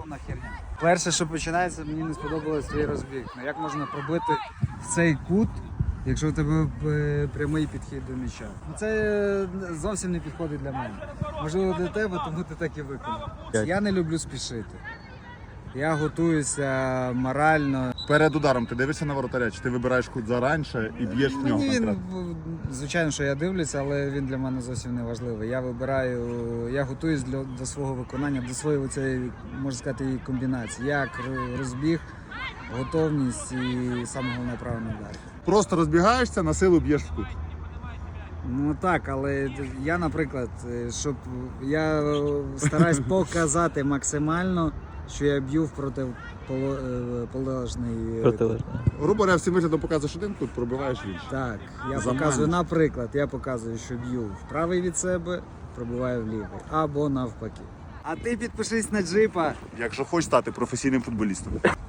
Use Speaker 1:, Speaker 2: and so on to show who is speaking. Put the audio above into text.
Speaker 1: повна херня. Перше, що починається, мені не сподобалось твій розбіг. Ну, як можна пробити в цей кут, якщо у тебе прямий підхід до м'яча? Ну, це зовсім не підходить для мене. Можливо, для тебе, тому ти так і виконав. Я не люблю спішити. Я готуюся морально.
Speaker 2: Перед ударом ти дивишся на воротаря, чи ти вибираєш кут зараніше і б'єш в нього
Speaker 1: Мені він,
Speaker 2: конкретно?
Speaker 1: звичайно, що я дивлюся, але він для мене зовсім не важливий. Я готуюсь до свого виконання, до своєї цієї, можна сказати, і комбінації. Як розбіг, готовність і саме головне правильний удар.
Speaker 2: Просто розбігаєшся, на силу б'єш в кут.
Speaker 1: Ну так, але я, наприклад, щоб я стараюсь показати максимально, що я б'ю в противоположний кут.
Speaker 2: Грубо говоря, всім виглядом показуєш один кут, пробиваєш інший.
Speaker 1: Так, я
Speaker 2: Заманюєш.
Speaker 1: показую, наприклад, я показую, що б'ю в правий від себе, пробиваю в лівий, або навпаки. А ти підпишись на Джипа.
Speaker 2: Якщо хочеш стати професійним футболістом.